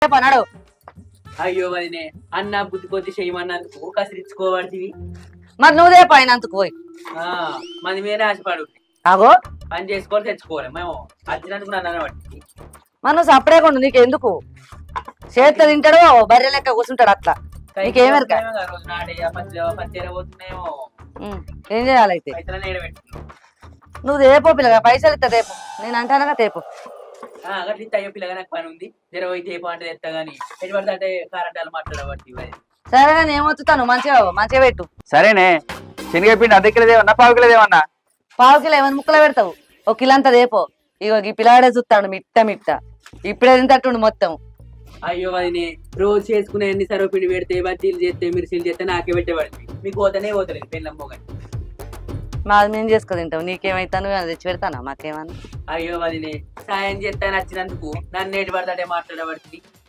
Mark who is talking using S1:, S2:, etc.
S1: పన్నాడు.
S2: అయ్యో వదినే అన్న బుద్ధి కొద్ది చేయమన్నందుకు కసిరించుకోబడివి.
S1: మరి నువ్వుదే పైనందుకు పోయి
S2: మంది మీరే ఆశపడు.
S1: అగో
S2: పని చేసుకోవాలి తెచ్చుకోవాలి. మేము వచ్చినందుకు నన్ను బట్టి
S1: మరి నువ్వు సపరేకుండా నీకు ఎందుకు చేతిలో తింటాడు బర్రె లెక్క కూర్చుంటాడు అట్లా నీకేమెరక
S2: రోజు నాడే పత్తి పోతున్నాయేమో.
S1: ఏం చేయాలైతే
S2: పైసలు నేడబెట్టుకున్నాం.
S1: నువ్వు తేపో పిల్లగా పైసలు ఇస్తా తేపు నేను అంటానగా తేపు
S2: అట్లా ఇస్తే అయ్యో పిల్లగా నాకు పని ఉంది జర పోయి తేపు అంటే తెస్తా గానీ ఎటు పడితే అంటే కారంటాలు మాట్లాడబట్టి.
S1: సరే కానీ ఏమొచ్చుతాను మంచిగా మంచిగా పెట్టు.
S3: సరేనే శనగపిండి అర్ధ కిలో దేవన్నా పావు కిలో దేవన్నా?
S1: పావు కిలో ఏమైనా ముక్కలు పెడతావు ఒక కిలో అంతా తేపో. ఇగో ఈ పిల్లాడే చూస్తాడు మిట్ట మిట్ట ఇప్పుడే తింటట్టుండు మొత్తం.
S2: అయ్యో వదినే రోజు చేసుకునే అన్ని సర్వపిండి పెడితే బజ్జీలు చేస్తే మిర్చీలు చేస్తే నాకే పెట్టేవాడిని. మీకు పోతేనే పోతలేదు పెళ్ళమ్మో కానీ.
S1: మాది మేము చేసుకో తింటావు నీకేమైతాను అది తెచ్చి పెడతానా మాకేమన్నా?
S2: అయ్యో వదినే సాయం చేస్తాను వచ్చినందుకు నన్ను ఎటు పడతాడే మాట్లాడబడుతుంది.